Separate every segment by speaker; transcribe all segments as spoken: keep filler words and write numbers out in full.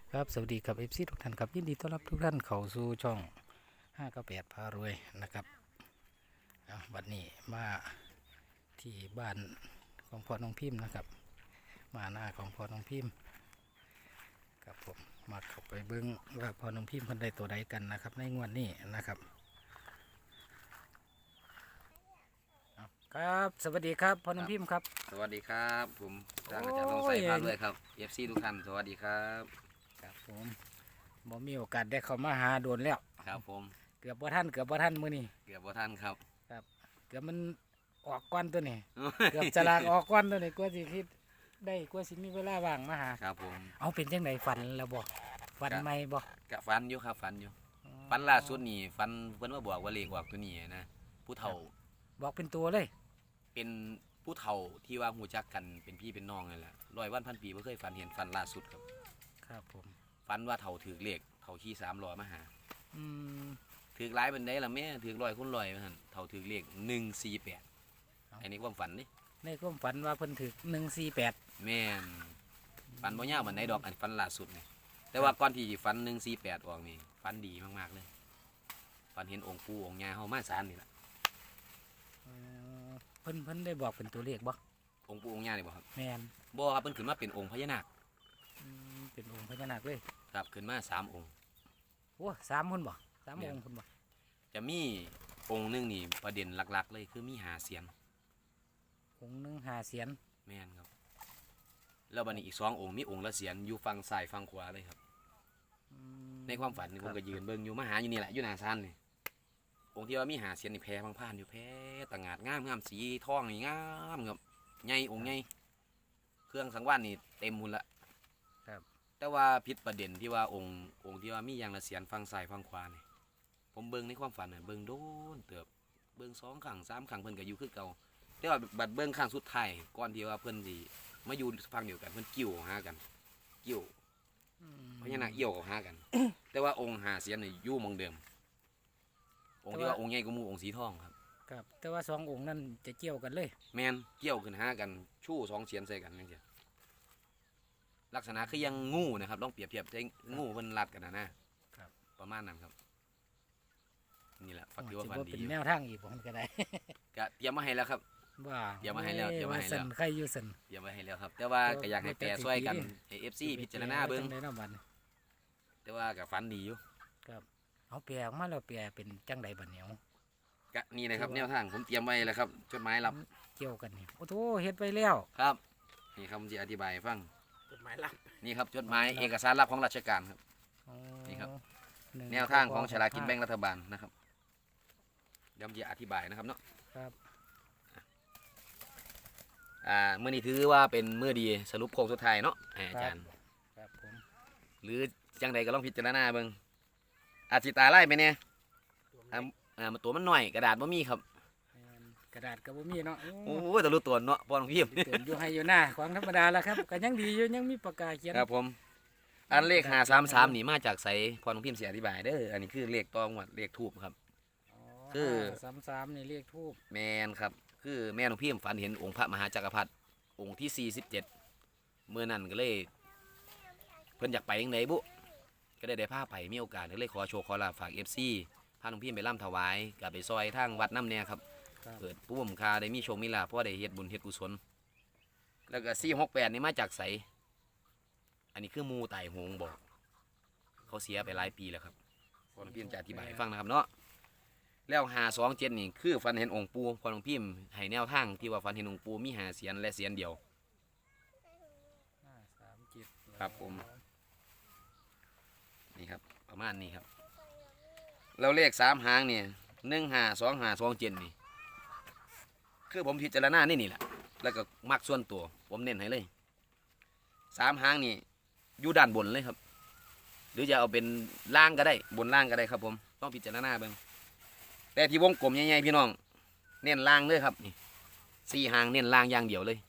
Speaker 1: ครับสวัสดีครับเอฟซีทุกท่านครับยินดีต้อนรับทุกท่านเข้าสู่ช่องห้าเก้าแปดพารวยนะครับเอาวันนี้มาที่บ้านของพ่อน้องพิมพ์นะครับมาหน้าของพ่อน้องพิมพ์ครับผมมาเข้าไปเบิ้งว่าพ่อน้องพิมพ์เพิ่นได้ตัวใดกันนะครับในงวดนี้นะครับเอาครับสวัสดีครับพ่อน้องพิมพ์ครับ
Speaker 2: สวัสดีครับผมทางอาจารย์ทองใสพาด้วยครับ เอฟ ซี ทุกท่านสวัสดีครับ
Speaker 1: ครับผมบ่มีโอกาสได้เข้ามาหาโดนแล้ว
Speaker 2: ครับผม
Speaker 1: เกือบบ่ท่านเกือบบ่ท่านมื้อนี้
Speaker 2: เกือบบ่ท่านครับ
Speaker 1: เกือบมันออกก้อนตัวนี้เกือบจะลากออกก้อนตัวนี้กว่าสิคิดได้กว่าสิมีเวลาว่างมาหา
Speaker 2: ครับผม
Speaker 1: เอาเป็นจังไดฝันแล้วบ่ฝันใหม่บ่
Speaker 2: กะฟันอยู่ครับฟันอยู่ฟันล่าสุดนี่ฟันเพิ่นมาบอกว่าเลขออกตัวนี้นะผู้เฒ่า
Speaker 1: บอกเป็นตัวเลย
Speaker 2: เป็นผู้เฒ่าที่ว่าหูจักกันเป็นพี่เป็นน้องนั่นแหละร้อยวันพันปีบ่เคยฝันเห็นฟันล่าสุดครับ
Speaker 1: ครับผม
Speaker 2: ฟันว่าเฒ่าถือเลขเฒ่าขี่สามล้อมาหา
Speaker 1: อืม
Speaker 2: ถือหลายปานใดล่ะแม่ถือร้อยคูณร้อยว่าซั่นเฒ่าถือเลขหนึ่งสี่แปดอันนี้ความฝันนี่
Speaker 1: ในความฝันว่าเพิ่นถึกหนึ่งสี่แปด
Speaker 2: แม่นฝันบ่ยาวปานใดดอกอันฝันล่าสุดนี่แต่ว่าก่อนที่ฝันหนึ่งสี่แปดออกนี่ฝันดีมากๆเลยฝันเห็นองค์ปู่องค์ย่าเฮามาศาลนี่ล่ะ
Speaker 1: เพิ่นเพิ่นได้บอกเป็นตัวเลขบ่
Speaker 2: องค์ปู่องค์ย่านี่บ่ครับ
Speaker 1: แม่น
Speaker 2: บ่ครับเพิ่นขึ้นมาเป็นองค์พญานาค
Speaker 1: อืมเป็นองค์พญานาคเลย
Speaker 2: ครับขึ้นมาสามองค์
Speaker 1: โอ้สามคนบ่สามองค์คนบ่
Speaker 2: จะมีองค์หนึงนี่ประเด็นหลักๆเลยคือมีหาเสียน
Speaker 1: องค์หนึงห้าเสียน
Speaker 2: แม่นครับแล้วบัดนี้อีกสององค์มีองค์ละเสียนอยู่ฝั่งซ้ายฝั่งขวาเลยครับ
Speaker 1: อืม
Speaker 2: ในความฝันนี่ผมก็ยืนเบิ่งอยู่มาหาอยู่นี่แหละอยู่หน้าศาลนี่องค์ที่ว่ามีหาเสียนนี่แพรพังผ่านอยู่แพรตะงาดงามงามสีทองนี่งามครับใหญ่องค์ใหญ่เครื่องสังวาสนี่เต็มหมดละ
Speaker 1: ครับ
Speaker 2: แต่ว่าผิดประเด็นที่ว่าองค์องค์ที่ว่ามีอย่างละเสียนฝั่งซ้ายฝั่งขวานี่ผมเบิ่งในความฝันน่ะเบิ่งโดนเติบเบิ่งสองครั้งสามครั้งเพิ่นก็อยู่คือเก่าแต่ว่าบัดเบิ่งครั้งสุดท้ายก่อนที่ว่าเพิ่นสิมาอยู่ฝั่งเดียวกันเพิ่นกิ้วหากันกิ้ว
Speaker 1: อืม
Speaker 2: พญานาคเอี่ยวเขาหากัน แต่ว่าองค์หาเสียนนี่อยู่หมองเดิม องค์ที่ว่าองค์ใหญ่กว่าหมู่องค์สีทองครับ
Speaker 1: ครับแต่ว่าสององค์นั้นจะเกี่ยวกันเลย
Speaker 2: แมนเกี่ยวขึ้นหากันชู้สองเสียนใส่กันนั่นเองลักษณะคือยังงูนะครับลองเปรียบเทียบใช้งูเพิ่นรัดกันนะนะครับ ประมาณนั้นครับนี่แหละฝัก
Speaker 1: อ๋อ
Speaker 2: ที่ว่า
Speaker 1: สิ
Speaker 2: ฝัน
Speaker 1: บ่
Speaker 2: ดี
Speaker 1: เป็น
Speaker 2: อยู่
Speaker 1: แนวทางอีกผมก็ได้
Speaker 2: ก็เตรียมมาให้แล้วครับ
Speaker 1: ว่า
Speaker 2: เดี๋ยวมาให้แล้วเดี๋ยวมาให้แล้ว
Speaker 1: สันใครอยู่สัน
Speaker 2: เตรียมมาให้แล้วครับ แต่ว่าก็อยากให้แปรช่วยกันให้เอฟซีพิจารณาเบิ่ง
Speaker 1: จัได้เนาะบัดนี้
Speaker 2: แต่ว่าก็ฝันดีอยู่
Speaker 1: เอาแปลออกมาแล้วแปลเป็นจังใดบัดเหนียว
Speaker 2: ก็นี่นะครับแนวทางผมเตรียมไว้แล้วครับจดหมายรับ
Speaker 1: เกี่ยวกันนี่โอ้โหเฮ็ดไปแล้ว
Speaker 2: ครับนี่ครับผมจะอธิบายให้ฟัง
Speaker 1: จดหมายลับ
Speaker 2: นี่ครับจดหมายเอกสารลับของราชการครับ นี่ครับ แนวทางของฉลากกินแบ่งรัฐบาลนะครับเดี๋ยวผมจะอธิบายนะครับเนาะ
Speaker 1: ครับ
Speaker 2: อ่าเมื่อนี้ถือว่าเป็นเมื่อดีสรุปโค้งสุดท้ายเนาะให้อาจารย์
Speaker 1: ครับผม
Speaker 2: หรือจังใดก็ลองพิจารณาเบิ่งอาจสิตาไล่ไปเนี่ยอ่าอ่าตัวมันหน่อยกระดาษบ่มีครับ
Speaker 1: แม่นกระดาษก็บ่มีเนาะ
Speaker 2: โอ้ยแต่รู้ตัวเนาะพอน้องพิมพ์
Speaker 1: เตือนอยู่ให้อยู่หน้าของธรรมดาแล้วครับก็ยังดีอยู่ยังมีปากกาเขียน
Speaker 2: ครับผมอันเลขห้าสามสามนี่มาจากไสพอน้องพิมพ์สิอธิบายเด้ออันนี้คือเลขตองวัดเลขทูบครับ คือ
Speaker 1: สามสามนี่เรียกทูบ
Speaker 2: แมนครับคือแม่น้องพิมพ์ฝันเห็นองค์พระมหาจักรพรรดิองค์ที่สี่สิบเจ็ดเมื่อนั้นก็เลยเพิ่นอยากไปยังไงบุก็ได้ได้พาไปมีโอกาสก็เลยขอโชว์ขอลาฝากเอฟซีพาน้องพิมพ์ไปร่ำถวายกับไปซอยทางวัดน้ำเนี่ยครับ
Speaker 1: ครับ
Speaker 2: เปิดปุ้มคาได้มีโชคมีลาภเพราะได้เฮ็ดบุญเฮ็ดกุศลแล้วก็สี่หกแปดนี่มาจากไสอันนี้คือหมูไต่หงบอกเขาเสียไปหลายปีแล้วครับพอน้องพิมพ์จะอธิบายให้ฟังนะครับเนาะแล้วหาสองเจ็ดนี่คือฟันเห็นองค์ปูพอน้องพิมพ์ให้แนวทางที่ว่าฟันเห็นองค์ปูมีหาเสียนและเสียนเดียว
Speaker 1: ห้าสามเจ็ด
Speaker 2: ครับผม นี่ครับประมาณนี้ครับแล้วเลขสามหางเนี่ยหนึ่งหาสองหาสองเจ็ดนี่คือผมพิจารณานี่นี่แหละแล้วก็มักส่วนตัวผมเน้นให้เลยสามหางนี่อยู่ด้านบนเลยครับ หรือจะเอาเป็นล่างก็ได้บนล่างก็ได้ครับผมต้องพิจารณาเบิ่งแต่ที่วงกลมใหญ่ๆพี่น้องเน้นล่างเลยครับนี่สี่หางเน้นล่างอย่างเดียวเลย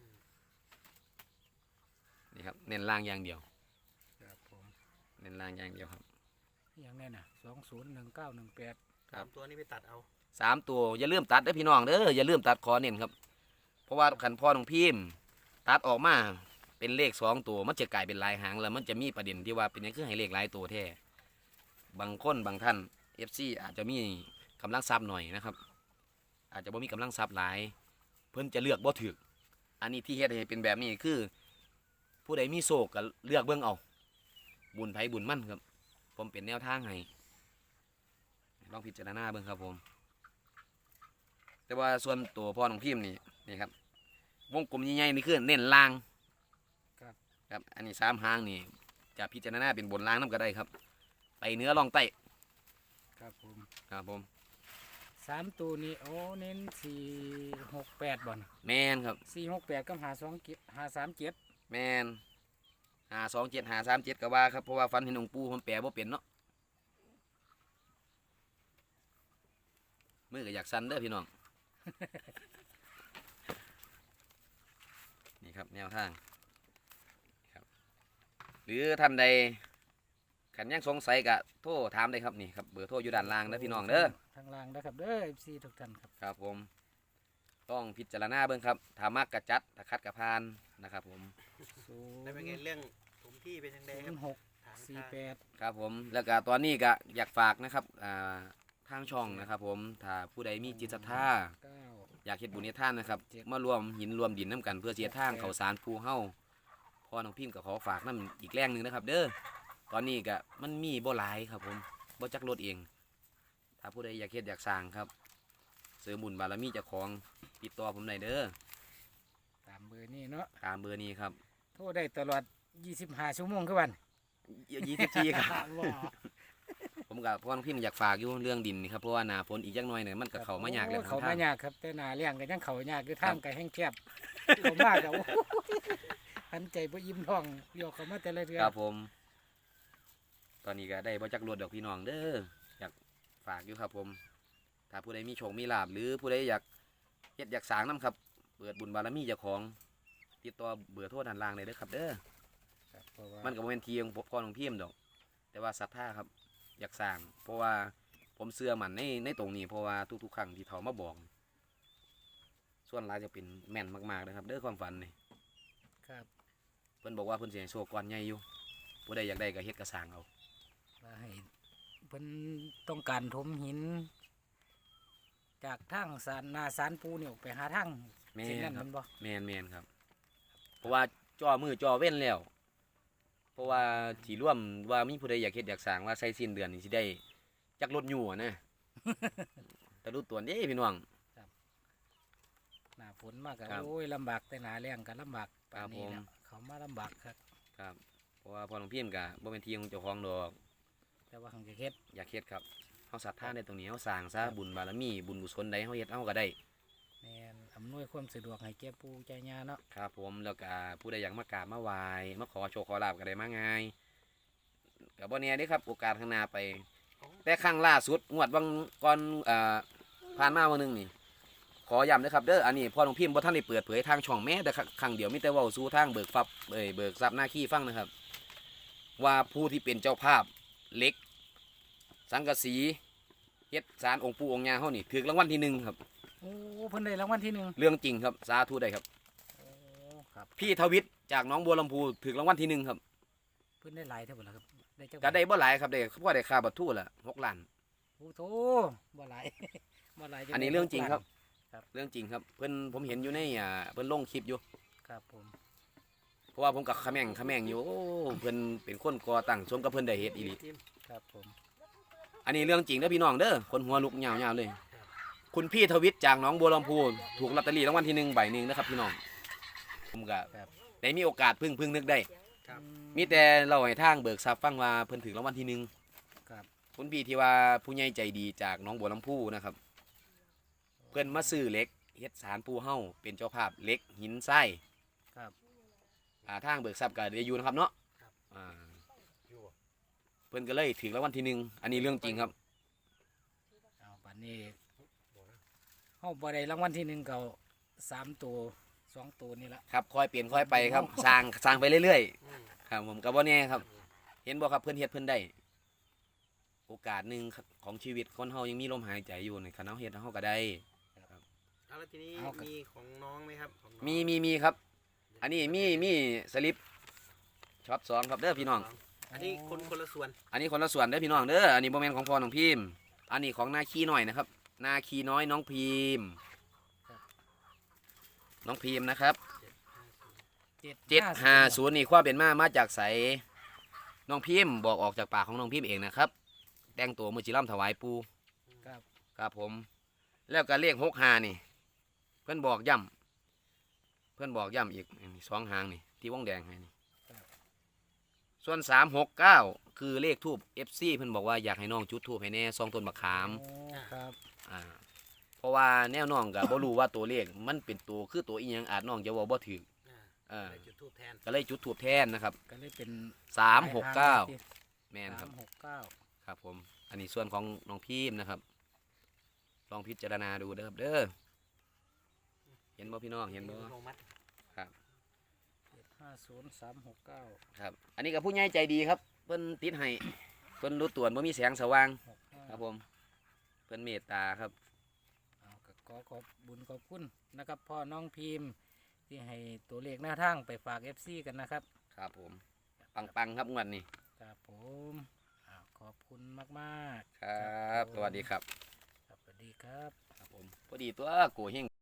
Speaker 2: นี่ครับเน้นล่างอย่างเดียว
Speaker 1: ครับผม
Speaker 2: เน้นล่างอย่างเดียวครับ
Speaker 1: อย่างนี้นะสองศูนย์หนึ่งเก้าหนึ่งแปด
Speaker 2: ครับ
Speaker 3: ตัวนี้ไปตัดเอา
Speaker 2: สามตัวอย่าลืมตัดเด้อพี่น้องเด้ออย่าลืมตัดคอเน้นครับเพราะว่าขันพ่อของพิมพ์ตัดออกมาเป็นเลขสองตัวมันจะกลายเป็นหลายหางแล้วมันจะมีประเด็นที่ว่าเป็นหยังคือให้เลขหลายตัวแท้บางคนบางท่าน เอฟ ซี อาจจะมีกำลังทรัพย์หน่อยนะครับอาจจะบ่มีกำลังทรัพย์หลายเพิ่นจะเลือกบ่ถูกอันนี้ที่เฮ็ดให้เป็นแบบนี้คือผู้ใดมีโชคก็เลือกเบิ่งเอาบุญไผบุญมั่นครับผมเป็นแนวทางให้ลองพิจารณาเบิ่งครับผมแต่ว่าส่วนตัวพ่อของพิมพ์นี่นี่ครับวงกลมใหญ่ๆนี่คือเน้นล่าง ครับอันนี้สามหางนี่จะพิจารณาเป็นบนล่างน้ำก็ได้ครับ ไปเนื้อลองไต
Speaker 1: ครับผม
Speaker 2: ครับผม
Speaker 1: สามตัวนี้โอ้เน้นสี่หกแปดบ่อน
Speaker 2: แมนครับ
Speaker 1: สี่หกแปดกับหาสองเจ็ดหาสามเจ็ด
Speaker 2: แมนหาสองเจ็ดหาสามเจ็ดก็ว่าครับเพราะว่าฟันเห็นองค์ปูผมแปลบ่เป็นเนาะมือก็อยากสั่นเด้อพี่น้อง นี่ครับแนวทางครับหรือท่านใดขันยังสงสัยก็โทรถามได้ครับนี่ครับเบอร์โทรอยู่ด้านล่างนะพี่น้องเด้อ
Speaker 1: ทางล่างนะครับเด้อเอฟซีทุกท่านครับ
Speaker 2: ครับผมต้องพิจารณาเบิ่งครับถ้ามักกระจัดถ้าคัดกระพานนะครับผม
Speaker 1: ศูน
Speaker 3: แล้วเป็นไง
Speaker 1: ย์
Speaker 3: เรื่องถมที่เป็นยังไงครับ
Speaker 1: หก
Speaker 3: ทาง
Speaker 1: สี่
Speaker 3: ทาง
Speaker 1: แปด
Speaker 2: ครับผมแล้วก็ตอนนี้ก็อยากฝากนะครับอ่าทางช่องนะครับผมถ้าผู้ใดมีจิตศรัทธา
Speaker 1: เก้า
Speaker 2: อยากเฮ็ดบุญเฮ็ดทานนะครับ
Speaker 1: เจ็ด
Speaker 2: มารวมหินรวมดินน้ำกันเพื่อเสียทาง
Speaker 1: แปด
Speaker 2: เขาสารภูเฮาพ่อน้องพิมพ์ก็ขอฝากน้ำอีกแรงหนึ่งนะครับ เด้อตอนนี้ก็มันมีบ่หลายครับผมบ่จักรถเอง ถ้าผู้ใดอยากเฮ็ดอยากสร้างครับเสริมบุญบารมีเจ้าของติดต่อผมได้เด้อ
Speaker 1: ตามเบอร์นี้เนาะ
Speaker 2: ตามเบอร์นี้ครับ
Speaker 1: โทรได้ตลอดยี่สิบห้าชั่วโมงคือวัน
Speaker 2: ยี่สิบสี่ครับ
Speaker 1: ว้า
Speaker 2: ผมกับพ่อน้องพิมพ์อยากฝากอยู่เรื่องดินนี่ครับเพราะว่าหนาฝนอีกจักหน่อยเนี่ยมันก็เข้ามายากแล้ว
Speaker 1: โอ้เขา
Speaker 2: ทาง
Speaker 1: มายากครับแต่หนาเลี้ยงก็ยังเขายากคือทางก็แห้งแคบเขามากอะโอ้โหหันใจบ่ยิ้มท้องโยกเขามาแต่ละเดือ
Speaker 2: ครับผม ตอนนี้ก็ได้บ่จักรวดดอกพี่น้องเด้ออยากฝากอยู่ครับผม ถ้าผู้ใดมีโชคมีลาภหรือผู้ใดอยากเฮ็ดอยากสร้างน้ำครับ เปิดบุญบารมีเจ้าของติดต่อเบอร์โทรด้านล่างเลยเด้อครับเด้อ
Speaker 1: ครับเพราะว่า
Speaker 2: มันก็บ่แม่นทีของพ่อของพี่มดอก แต่ว่าศรัทธาครับ อยากสร้าง เพราะว่าผมเชื่อมันในในตรงนี้เพราะว่าทุกๆครั้งที่เขามาบอก ส่วนหลายจะเป็นแม่นมากๆนะครับเด้อความฝันนี่
Speaker 1: ครับ
Speaker 2: เพิ่นบอกว่าเพิ่นสิให้โชคก้อนใหญ่อยู่ผู้ใดอยากได้ก็เฮ็ดกระสร้างเอา
Speaker 1: ว่าให้เพิ่นต้องการถมหิน จากทางสารนาสารปูนี่ออกไปหาทาง
Speaker 2: แม่
Speaker 1: สิ่งนั้น
Speaker 2: นครั
Speaker 1: มั
Speaker 2: บ
Speaker 1: นบ่
Speaker 2: แม่นแม่นครับ เพราะว่าจ่อมือจ่อเว้นแล้ว เพราะว่าที่ร่วมว่ามีผู้ใดอยากเฮ็ดอยากสร้างว่าใส่สิ้นเดือนนี่สิได้จักรถอยู่อะนะ แต่รู้ตัวเด้พี่น้อง
Speaker 1: หน้าฝนมากก็
Speaker 2: ครับ
Speaker 1: โอ้ยลำบากแต่หนาแรงก็ลำบากปานนี้
Speaker 2: ครับผม
Speaker 1: แล้วเขามาลำบากครับ
Speaker 2: ครับ เพราะว่าพ่อหลวงพี่ก็บ่เป็นที่ของเจ้าของดอก
Speaker 1: แต่ว่าหังจะเฮ็ด
Speaker 2: อยากเฮ็ดครับเฮาศรัทธาในตรงนี้เฮาสร้างซะบุญบารมีบุญกุศลใดเฮาเฮ็ดเฮาก็ได้
Speaker 1: แม่นอำนวยความสะดวกให้แก่ปู่ใจญาเนาะ
Speaker 2: ครับผมแล้วก็ผู้ใดอยากมากราบมาไหว้มาขอโชคขอลาบก็ได้มาง่ายก็บ่แน่เด้ครับโอกาสข้างหน้าไป แต่ครั้งล่าสุดงวดวังก่อนเอ่อผ่านมาวันนึงนี่ ขอย้ำนะครับเด้ออันนี้พ่อหลวงพี่บ่ท่านได้เปิดเผยทางช่องแม้แต่ครั้งเดียวมีแต่เว้าสู่ทางเบิกทรัพย์เอ้ยเบิกทรัพย์หน้าขี้ฟังนะครับ ว่าผู้ที่เป็นเจ้าภาพเหล็ก สังกะสีเฮ็ดสารองค์ปู่องค์ย่าเฮานี่ถูกรางวัลที่หนึ่งครับ
Speaker 1: โอ้เพิ่นได้รางวัลที่หนึ่ง
Speaker 2: เรื่องจริงครับสาธุได้ครับ
Speaker 1: โอ้ครับ
Speaker 2: พี่ทวิทย์จากหน้องบัวลำพูถูกรางวัลที่หนึ่งครับ
Speaker 1: เพิ่นได้หลายเท่าบ่ล่ะครับได้จัก
Speaker 2: ก็ได้บ่หลายครับได้เพราะได้ค่าบัตรทูละหกล้าน
Speaker 1: โอ้โธบ่หลาย บ่หลายจั
Speaker 2: อันนี้เรื่องจริงครับ
Speaker 1: ครับ
Speaker 2: เรื่องจริงครับเพิ่นผมเห็นอยู่ในอ่าเพิ่นลงคลิปอยู่
Speaker 1: ครับผม
Speaker 2: เพราะว่าผมกับขะแม่งขะแม่งอยู่โอ้เพิ่นเป็นคนก่อตั้งสมกับเพิ่นได้เฮ็ดอีหลี
Speaker 1: ครับผม
Speaker 2: อันนี้เรื่องจริงเด้อพี่น้องเด้อคนหัวลุกยาวๆเลย คุณพี่ทวิทย์จากหนองบัวลำพูถูกลอตเตอรี่รางวัลที่หนึ่งใบหนึ่งนะครับพี่น้องผมก็
Speaker 1: ครับ
Speaker 2: ได้มีโอกาสพึ่งพึ่งนึกได้
Speaker 3: ครับ
Speaker 1: อื
Speaker 2: มีแต่เราให้ทางเบิกทรัพย์ฟังว่าเพิ่นถึงรางวัลที่หนึ่ง
Speaker 1: ครับ
Speaker 2: คุณพี่ที่ว่าผู้ใหญ่ใจดีจากหน้องบัวลำพูนะครับ เพิ่นมาซื้อเหล็กเฮ็ดสารปูเฮาเป็นเจ้าภาพเหล็กหินทราย
Speaker 1: ครับ
Speaker 2: อ่าทางเบิกทรัพย์ก็ได้อยู่นะครับเนาะ
Speaker 3: ครับ
Speaker 2: อ่า
Speaker 3: อยู่บ่
Speaker 2: เพิ่นก็เลยถึงรางวัลที่หนึ่งอันนี้เรื่องจริงครับ
Speaker 1: เอาบัดนี้เฮาบ่ได้รางวัลที่หนึ่งก็สามตัวสองตัวนี่ละ
Speaker 2: ครับค่อยเปลี่ยนค่อยไปครับ สร้างสร้างไปเรื่อย
Speaker 3: อืม
Speaker 2: ๆครับผมก็บ่แน่ครับ เห็นบ่ครับเพิ่นเฮ็ดเพิ่นได้ โอกาสหนึ่งของชีวิตคนเฮายังมีลมหายใจอยู่ในคันเฮาเฮ็ดเฮาก็ได้
Speaker 3: เอาแล้วทีนี้มีของน้องไหมครับของน้อง
Speaker 2: มีมีมีครับ
Speaker 3: ย
Speaker 2: อันนี้มีมีสลิปช็อตสองครับเด้อพี่น้อง
Speaker 3: อันนี้คนคนละส่วน
Speaker 2: อันนี้คนละส่วนเด้อพี่น้องเด้ออันนี้โมเมนต์ของพ่อน้องพิมพ์อันนี้ของนาคีหน่อยนะครับนาคีน้อยน้องพิมพ์น้องพิมพ์นะครับเจ็ดห้าศูนย์นี่ความเป็นมามาจากใสน้องพิมพ์บอกออกจากปากของน้องพิมพ์เองนะครับแต่งตัวมือจิร่ำถวายปู
Speaker 1: ครับ
Speaker 2: ครับผมแล้วก็เลขหกหานี่เพื่อนบอกย่ำเพื่อนบอกย่ำอีกสองหางนี่ที่วงแดงให้นี่ส่วนสามหกเก้าคือเลขทูบเอฟซีเพื่อนบอกว่าอยากให้น้องจุดทูบให้แน่ซองต้นมะขาม
Speaker 1: โอ้ครับ
Speaker 2: อ่าเพราะว่าแนวน้องกับบ่รู้ว่าตัวเลขมันเป็นตัวคือตัวอีหยังอาจน้องจะเว่าบ่ถือ
Speaker 3: อ่า
Speaker 2: เออ
Speaker 3: จุดทูบแทน
Speaker 2: ก็เลยจุดทูบแทนนะครับ
Speaker 1: ก็เลยเป็น
Speaker 2: สามหกเก้าแมนค
Speaker 1: สา
Speaker 2: รับ
Speaker 1: มหกเก้า
Speaker 2: ครับผมอันนี้ส่วนของน้องพิมพ์นะครับลองพิจารณาดูเด้อครับเด้อเห็นบ่พี่น้องเห็นบ่
Speaker 3: ลงมัด
Speaker 2: ครับ
Speaker 1: เจ็ดห้าศูนย์สามหกเก้า
Speaker 2: ครับอันนี้ก็ผู้ใหญ่ใจดีครับเพิ่นติดให้เพิ่นรู้ตัวว่ามีแสงสว่าง
Speaker 1: หกห้า
Speaker 2: ครับผมเพิ่นเมตตาครับ
Speaker 1: เอาก็ขอขอบบุญขอบคุณนะครับพ่อน้องพิมพ์ที่ให้ตัวเลขหน้าทางไปฝาก เอฟ ซี กันนะครับ
Speaker 2: ครับผมปังๆครับงวดนี้
Speaker 1: ครับผมอ้าวขอบคุณมากๆ
Speaker 2: ครับสวัสดีครับ
Speaker 1: ครับสวัสดีครับ
Speaker 2: ครับผมพอดีตัวโกเฮง